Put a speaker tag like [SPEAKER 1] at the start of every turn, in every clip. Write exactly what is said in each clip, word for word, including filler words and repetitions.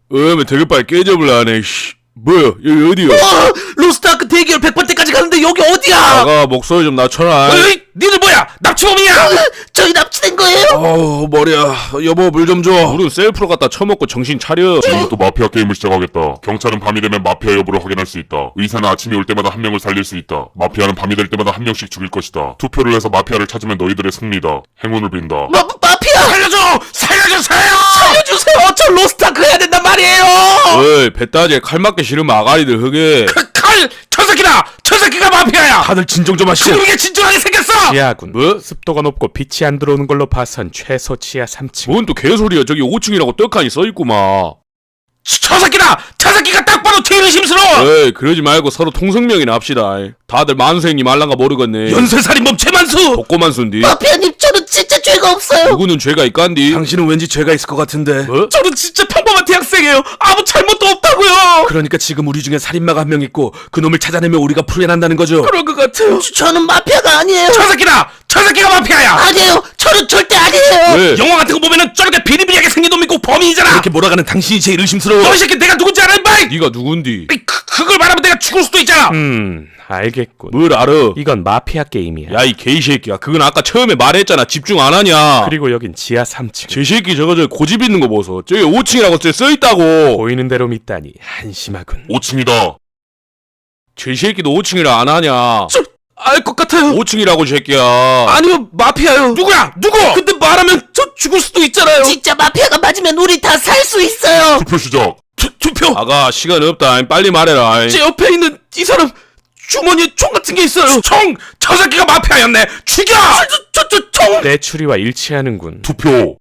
[SPEAKER 1] 어메 되게 빨리 깨접을 하네. 씨. 뭐야 여기 어디야?
[SPEAKER 2] 어, 로스트아크 대기열 백 번째까지 가는데 여기 어디야?
[SPEAKER 1] 아가 목소리 좀 낮춰라.
[SPEAKER 2] 어이, 니들 뭐야? 납치범이야? 어, 저희 납치된 거예요?
[SPEAKER 1] 어우 머리야. 여보 물 좀 줘. 물은 셀프로 갖다 처먹고 정신 차려.
[SPEAKER 3] 지금부터 마피아 게임을 시작하겠다. 경찰은 밤이 되면 마피아 여부를 확인할 수 있다. 의사는 아침이 올 때마다 한 명을 살릴 수 있다. 마피아는 밤이 될 때마다 한 명씩 죽일 것이다. 투표를 해서 마피아를 찾으면 너희들의 승리다. 행운을 빈다.
[SPEAKER 2] 마, 마피아!
[SPEAKER 1] 살려줘! 살려주세요!
[SPEAKER 2] 살려주세요! 저 로스트아크 해야 된단 말이에요!
[SPEAKER 1] 어이 배따지에 칼 맞기 싫으면 아가리들 흑에.
[SPEAKER 2] 그 칼! 저 새끼다! 저 새끼가 마피아야!
[SPEAKER 1] 다들 진정 좀 하시오.
[SPEAKER 2] 그게 진정하게 생겼어!
[SPEAKER 4] 지하군.
[SPEAKER 1] 뭐?
[SPEAKER 4] 습도가 높고 빛이 안 들어오는 걸로 봐선 최소 지하 삼 층.
[SPEAKER 1] 뭔 또 개소리야. 저기 오 층이라고 떡하니 써있구만.
[SPEAKER 2] 저 새끼다! 저 새끼가 딱 봐도 제일 의심스러워!
[SPEAKER 1] 에이 그러지 말고 서로 통성명이나 합시다. 다들 만수행님 알란가 모르겠네.
[SPEAKER 2] 연쇄살인범 최만수!
[SPEAKER 1] 복고만수인디.
[SPEAKER 2] 마피아님 저는 진짜 죄가 없어요!
[SPEAKER 1] 누구는 죄가 있간디?
[SPEAKER 5] 당신은 왠지 죄가 있을 것 같은데.
[SPEAKER 1] 뭐?
[SPEAKER 2] 저는 진짜 평범한 대학생이에요! 아무 잘못도 없다고요!
[SPEAKER 5] 그러니까 지금 우리 중에 살인마가 한 명 있고 그놈을 찾아내면 우리가 풀려난다는 거죠.
[SPEAKER 2] 그런 것 같아요. 저, 는 마피아가 아니에요. 저 새끼다! 저 새끼가 마피아야! 아니에요! 저는 절대 아니에요!
[SPEAKER 1] 왜?
[SPEAKER 2] 영화 같은 거 보면은 저렇게 비리비리하게 생긴 놈 있고 범인이잖아!
[SPEAKER 5] 이렇게 몰아가는 당신이 제일 의심스러워.
[SPEAKER 2] 너 이 새끼 내가 누군지 알아 임마!
[SPEAKER 1] 네가 누군디?
[SPEAKER 2] 그, 그걸 말하면 내가 죽을 수도 있잖아!
[SPEAKER 4] 음, 알겠군.
[SPEAKER 1] 뭘 알아?
[SPEAKER 4] 이건 마피아 게임이야.
[SPEAKER 1] 야 이 개이새끼야. 그건 아까 처음에 말했잖아. 집중 안 하냐.
[SPEAKER 4] 그리고 여긴 지하 삼 층.
[SPEAKER 1] 제 새끼 저거 저 고집 있는 거 보소. 저기 오 층이라고 써있다고.
[SPEAKER 4] 보이는 대로 믿다니 한심하군.
[SPEAKER 3] 오 층이다.
[SPEAKER 1] 제 새끼도 오 층이라 안 하냐.
[SPEAKER 2] 알 것 같아요!
[SPEAKER 1] 오 층이라고 이 새끼야.
[SPEAKER 2] 아니요, 마피아요! 누구야? 누구? 근데 말하면 저 죽을 수도 있잖아요!
[SPEAKER 6] 진짜 마피아가 맞으면 우리 다 살 수 있어요.
[SPEAKER 3] 투표 시작.
[SPEAKER 2] 투, 투표!
[SPEAKER 1] 아가 시간 없다. 빨리 말해라.
[SPEAKER 2] 제 옆에 있는 이 사람 주머니에 총 같은 게 있어요! 총! 저 새끼가 마피아였네! 죽여! 저, 저, 저, 총!
[SPEAKER 4] 내 추리와 일치하는군.
[SPEAKER 3] 투표.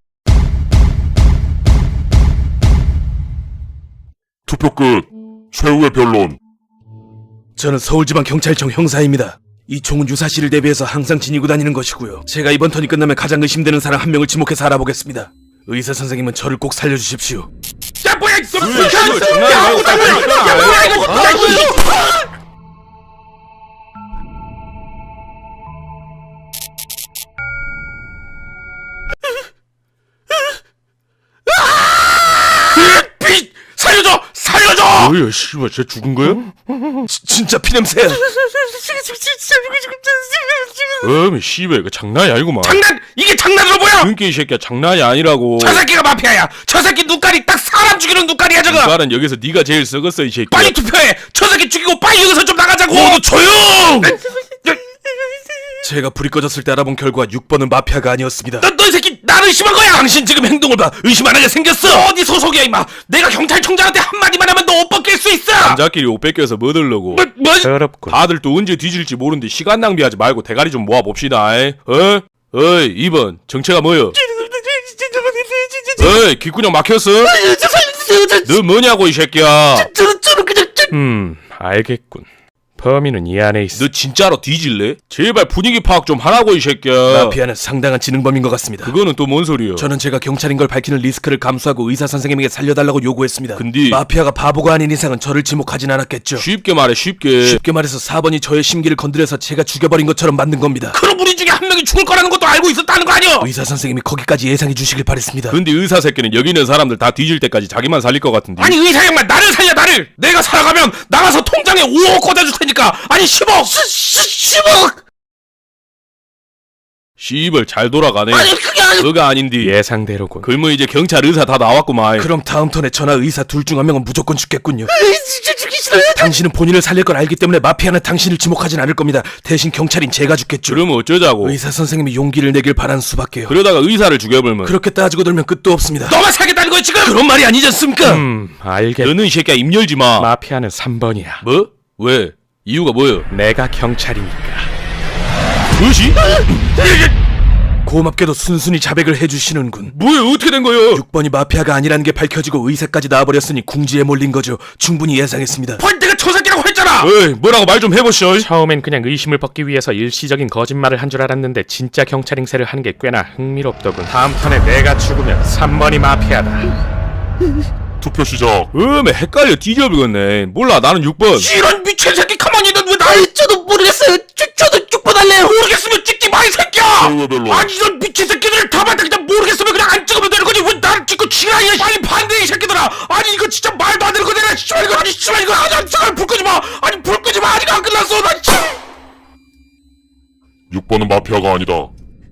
[SPEAKER 3] 투표 끝. 최후의 변론.
[SPEAKER 5] 저는 서울지방경찰청 형사입니다. 이 총은 유사시를 대비해서 항상 지니고 다니는 것이고요. 제가 이번 턴이 끝나면 가장 의심되는 사람 한 명을 지목해서 알아보겠습니다. 의사 선생님은 저를 꼭 살려주십시오.
[SPEAKER 2] 야 뭐야 이거!
[SPEAKER 1] 왜, 씨발, 장난이야,
[SPEAKER 2] 야
[SPEAKER 1] 이거.
[SPEAKER 2] 뭐야 이거! 야 뭐야 이거! 야 이거! 빛! 살려줘! 살려줘!
[SPEAKER 1] 뭐야 씨발 쟤 죽은 거야?
[SPEAKER 5] 지, 진짜 피냄새야.
[SPEAKER 1] 어미 씨발 이거 장난이 아니구만.
[SPEAKER 2] 장난! 이게 장난으로 보여!
[SPEAKER 1] 그러니까 이 새끼야 장난이 아니라고.
[SPEAKER 2] 저 새끼가 마피아야! 저 새끼 눈깔이 딱 사람 죽이는 눈깔이야 저거!
[SPEAKER 1] 이발은 여기서 네가 제일 썩었어 이 새끼야.
[SPEAKER 2] 빨리 투표해! 저 새끼 죽이고 빨리 여기서 좀 나가자고! 모두 조용!
[SPEAKER 5] 제가 불이 꺼졌을 때 알아본 결과 육 번은 마피아가 아니었습니다.
[SPEAKER 2] 너, 너 이 새끼 나를 의심한 거야! 당신 지금 행동을 봐! 의심 안 하게 생겼어! 어디 소속이야 임마! 내가 경찰청장한테 한마디만 하면 너 옷 벗길 수 있어!
[SPEAKER 1] 남자끼리 옷 뺏겨서 뭐 들려고.
[SPEAKER 2] 뭐, 뭐?
[SPEAKER 4] 더럽군.
[SPEAKER 1] 다들 또 언제 뒤질지 모르는데 시간 낭비하지 말고 대가리 좀 모아봅시다. 에? 어? 어이 이 번 정체가 뭐여? 어이 귓구녕 막혔어? 너 뭐냐고 이 새끼야.
[SPEAKER 2] 저는 저는 그냥 저...
[SPEAKER 4] 음, 알겠군. 범인은 이 안에 있어.
[SPEAKER 1] 너 진짜로 뒤질래? 제발 분위기 파악 좀 하라고 이 새끼야.
[SPEAKER 5] 마피아는 상당한 지능범인 것 같습니다.
[SPEAKER 1] 그거는 또 뭔 소리야?
[SPEAKER 5] 저는 제가 경찰인 걸 밝히는 리스크를 감수하고 의사 선생님에게 살려달라고 요구했습니다.
[SPEAKER 1] 근데
[SPEAKER 5] 마피아가 바보가 아닌 이상은 저를 지목하진 않았겠죠.
[SPEAKER 1] 쉽게 말해 쉽게.
[SPEAKER 5] 쉽게 말해서 사 번이 저의 심기를 건드려서 제가 죽여버린 것처럼 만든 겁니다.
[SPEAKER 2] 그럼 우리 중에 한 명이 죽을 거라는 것도 알고 있었다는 거 아니야?
[SPEAKER 5] 의사 선생님이 거기까지 예상해 주시길 바랬습니다.
[SPEAKER 1] 근데 의사 새끼는 여기 있는 사람들 다 뒤질 때까지 자기만 살릴 것 같은데.
[SPEAKER 2] 아니 의사 양반 나를 살려 나를! 내가 살아가면 나가서 통장에 오억 꽂아줄 테니까! 아니 십억! 십억!
[SPEAKER 1] 씨발 잘 돌아가네.
[SPEAKER 2] 아니 그게 아니...
[SPEAKER 1] 너가 아닌디.
[SPEAKER 4] 예상대로군.
[SPEAKER 1] 그러면 이제 경찰 의사 다 나왔구만.
[SPEAKER 5] 그럼 다음 턴에 저나 의사 둘 중 한 명은 무조건 죽겠군요.
[SPEAKER 2] 에이, 진짜 죽기 싫어요!
[SPEAKER 5] 당신은 본인을 살릴 걸 알기 때문에 마피아는 당신을 지목하진 않을 겁니다. 대신 경찰인 제가 죽겠죠.
[SPEAKER 1] 그러면 어쩌자고.
[SPEAKER 5] 의사 선생님이 용기를 내길 바라는 수밖에요.
[SPEAKER 1] 그러다가 의사를 죽여버리면.
[SPEAKER 5] 그렇게 따지고 들면 끝도 없습니다.
[SPEAKER 2] 너만 살겠다는 거야 지금!
[SPEAKER 5] 그런 말이 아니지 않습니까?
[SPEAKER 4] 음, 알겠.
[SPEAKER 1] 너는 이 새끼야 입 열지 마.
[SPEAKER 4] 마피아는 삼 번이야.
[SPEAKER 1] 뭐? 왜? 이유가 뭐여?
[SPEAKER 4] 내가 경찰이니까.
[SPEAKER 1] 뭐지?
[SPEAKER 5] 고맙게도 순순히 자백을 해주시는군.
[SPEAKER 1] 뭐야 어떻게 된 거여?
[SPEAKER 5] 육 번이 마피아가 아니라는 게 밝혀지고 의사까지 나와버렸으니 궁지에 몰린 거죠. 충분히 예상했습니다.
[SPEAKER 2] 헐 내가 저 새끼라고 했잖아!
[SPEAKER 1] 어이 뭐라고 말 좀 해보시오.
[SPEAKER 4] 처음엔 그냥 의심을 벗기 위해서 일시적인 거짓말을 한 줄 알았는데 진짜 경찰 행세를 하는 게 꽤나 흥미롭더군. 다음 턴에 내가 죽으면 삼 번이 마피아다.
[SPEAKER 3] 투표 시작.
[SPEAKER 1] 어메 헷갈려 뒤져버리겠네. 몰라 나는 육 번.
[SPEAKER 2] 이런 미친 새끼 가만히 있는 왜 나...
[SPEAKER 6] 아니, 저도 모르겠어요. 저, 저도 죽보달래요.
[SPEAKER 2] 모르겠으면 찍지 마 이 새끼야!
[SPEAKER 3] 최후의 변론.
[SPEAKER 2] 아니 이런 미친 새끼들 다 봤다 그냥 모르겠으면 그냥 안 찍으면 되는 거지 왜 나를 찍고 지랄이야! 빨리 반대 이 새끼들!
[SPEAKER 1] 놈들아! 아니 이거 진짜 말도 안 되는 거네! 씨발 이거 아니 씨발 이거 아니 잠깐 불 끄지 마! 아니 불 끄지 마! 아직 안 끝났어! 나 씨!
[SPEAKER 3] 육 번은 마피아가 아니다.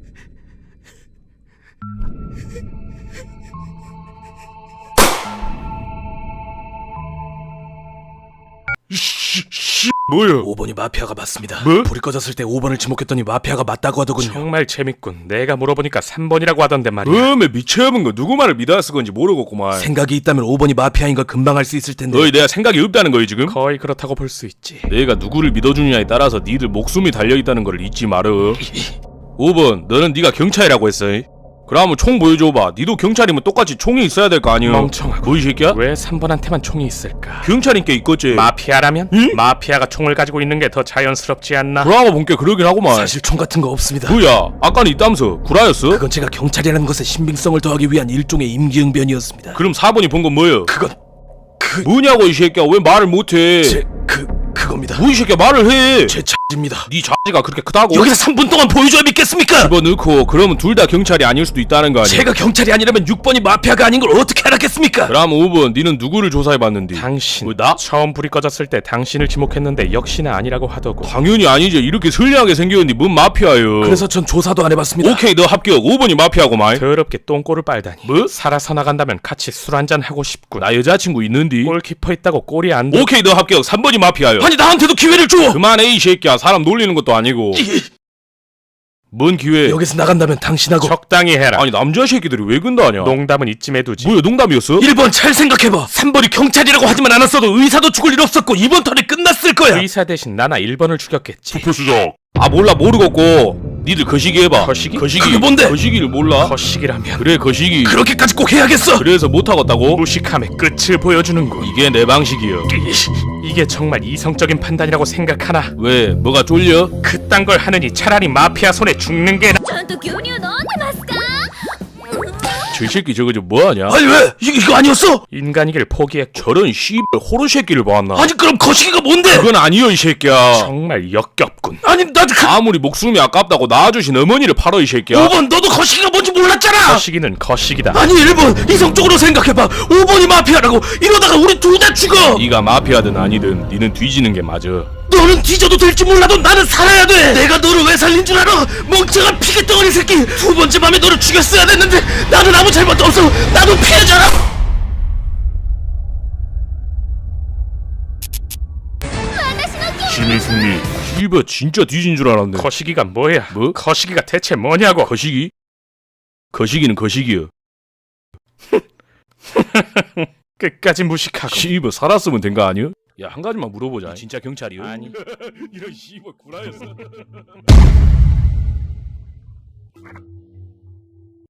[SPEAKER 1] 씨, 씨, 뭐야?
[SPEAKER 5] 오 번이 마피아가 맞습니다.
[SPEAKER 1] 뭐?
[SPEAKER 5] 불이 꺼졌을 때 오 번을 지목했더니 마피아가 맞다고 하더군요.
[SPEAKER 4] 정말 재밌군. 내가 물어보니까 삼 번이라고 하던데 말이야.
[SPEAKER 1] 음에 미쳐본 거 누구 말을 믿어야 쓰 건지 모르겠구만.
[SPEAKER 5] 생각이 있다면 오 번이 마피아인 걸 금방 알 수 있을 텐데.
[SPEAKER 1] 너희 내가 생각이 없다는 거야 지금?
[SPEAKER 4] 거의 그렇다고 볼 수 있지.
[SPEAKER 1] 내가 누구를 믿어주느냐에 따라서 니들 목숨이 달려있다는 걸 잊지 마라. 오 번 너는 네가 경찰이라고 했어. 그러면 총 보여줘봐. 니도 경찰이면 똑같이 총이 있어야 될 거 아니야.
[SPEAKER 4] 멍청하고.
[SPEAKER 1] 뭐 이 새끼야?
[SPEAKER 4] 왜 삼 번한테만 총이 있을까?
[SPEAKER 1] 경찰인 게 있겠지.
[SPEAKER 4] 마피아라면? 마피아가 총을 가지고 있는 게 더 자연스럽지 않나?
[SPEAKER 1] 브라마 본게 그러긴 하구만.
[SPEAKER 5] 사실 총 같은 거 없습니다.
[SPEAKER 1] 뭐야 아까는 있다면서 구라였어?
[SPEAKER 5] 그건 제가 경찰이라는 것의 신빙성을 더하기 위한 일종의 임기응변이었습니다.
[SPEAKER 1] 그럼 사 번이 본 건 뭐야?
[SPEAKER 5] 그건 그
[SPEAKER 1] 뭐냐고 이 새끼야 왜 말을 못해?
[SPEAKER 5] 제 그 그겁니다.
[SPEAKER 1] 뭐 이 새끼야 말을 해.
[SPEAKER 5] 제 차입니다.
[SPEAKER 1] 네 자지가 그렇게 크다고?
[SPEAKER 5] 여기서 삼 분 동안 보여줘야 믿겠습니까?
[SPEAKER 1] 집어넣고 그러면 둘 다 경찰이 아닐 수도 있다는 거 아니야?
[SPEAKER 5] 제가 경찰이 아니라면 육 번이 마피아가 아닌 걸 어떻게 알았겠습니까?
[SPEAKER 1] 그럼 오 번 니는 누구를 조사해봤는데?
[SPEAKER 4] 당신.
[SPEAKER 1] 뭐, 나?
[SPEAKER 4] 처음 불이 꺼졌을 때 당신을 지목했는데 역시나 아니라고 하더고.
[SPEAKER 1] 당연히 아니지. 이렇게 선량하게 생겼는데 뭔 마피아요?
[SPEAKER 5] 그래서 전 조사도 안 해봤습니다.
[SPEAKER 1] 오케이 너 합격. 오 번이 마피아고만.
[SPEAKER 4] 더럽게 똥꼬를 빨다니.
[SPEAKER 1] 뭐?
[SPEAKER 4] 살아서 나간다면 같이 술 한잔 하고 싶군.
[SPEAKER 1] 나 여자친구 있는디.
[SPEAKER 4] 골키퍼 있다고 꼴이 안 돼.
[SPEAKER 1] 오케이 너 합격. 삼 번이 마피아요.
[SPEAKER 5] 아니 나한테도 기회를 줘.
[SPEAKER 1] 그만해 이 새끼야. 사람 놀리는 것도 아니고. 뭔 기회?
[SPEAKER 5] 여기서 나간다면 당신하고
[SPEAKER 4] 적당히 해라.
[SPEAKER 1] 아니 남자 새끼들이 왜 근다냐?
[SPEAKER 4] 농담은 이쯤에 두지.
[SPEAKER 1] 뭐야 농담이었어?
[SPEAKER 5] 일 번 잘 생각해봐. 삼 번이 경찰이라고 하지만 않았어도 의사도 죽을 일 없었고 이번 턴에 끝났을 거야.
[SPEAKER 4] 의사 대신 나나 일 번을 죽였겠지.
[SPEAKER 3] 투표 시작.
[SPEAKER 1] 아 몰라 모르겠고. 니들 거시기 해봐.
[SPEAKER 4] 거시기?
[SPEAKER 1] 거시기.
[SPEAKER 5] 그게 뭔데?
[SPEAKER 1] 거시기를 몰라?
[SPEAKER 4] 거식이라면
[SPEAKER 1] 그래 거시기.
[SPEAKER 5] 그렇게까지 꼭 해야겠어.
[SPEAKER 1] 그래서 못하겠다고?
[SPEAKER 4] 무식함의 끝을 보여주는군.
[SPEAKER 1] 이게 내 방식이야.
[SPEAKER 4] 이게 정말 이성적인 판단이라고 생각하나?
[SPEAKER 1] 왜? 뭐가 쫄려?
[SPEAKER 4] 그딴 걸 하느니 차라리 마피아 손에 죽는 게 나.
[SPEAKER 7] ちゃんと牛乳飲んでますか？
[SPEAKER 1] 저 새끼 저거 저 뭐하냐?
[SPEAKER 5] 아니 왜? 이, 이거 아니었어?
[SPEAKER 4] 인간이길 포기했고.
[SPEAKER 1] 저런 씨발 호러 새끼를 봤나?
[SPEAKER 5] 아니 그럼 거시기가 뭔데?
[SPEAKER 1] 그건 아니여 이 새끼야.
[SPEAKER 4] 정말 역겹군.
[SPEAKER 5] 아니 나도 그
[SPEAKER 1] 아무리 목숨이 아깝다고 낳아주신 어머니를 팔어 이 새끼야.
[SPEAKER 5] 오 번 너도 거시기가 뭔지 몰랐잖아.
[SPEAKER 4] 거시기는 거시기다.
[SPEAKER 5] 아니 일 번 이성적으로 생각해봐. 오 번이 마피아라고. 이러다가 우리 둘 다 죽어.
[SPEAKER 1] 네가 마피아든 아니든 니는 뒤지는 게 맞아.
[SPEAKER 5] 너는 뒤져도 될지 몰라도 나는 살아야 돼. 내가 너를 왜 살린 줄 알아? 멍청한 피켓덩어리 새끼. 두 번째 밤에 너를 죽였어야 됐는데 나는 아무 잘못도 없어. 나도 피해자라.
[SPEAKER 3] 시민 승리.
[SPEAKER 1] 씨발 진짜 뒤진 줄 알았네.
[SPEAKER 4] 거시기가 뭐야?
[SPEAKER 1] 뭐?
[SPEAKER 4] 거시기가 대체 뭐냐고?
[SPEAKER 1] 거시기? 거시기는 거시기야.
[SPEAKER 4] 끝까지 무식하고.
[SPEAKER 1] 씨발 살았으면 된 거 아니야? 야 한 가지만 물어보자. 진짜 경찰이야?
[SPEAKER 4] 아니.
[SPEAKER 1] 이런 씨발 구라였어.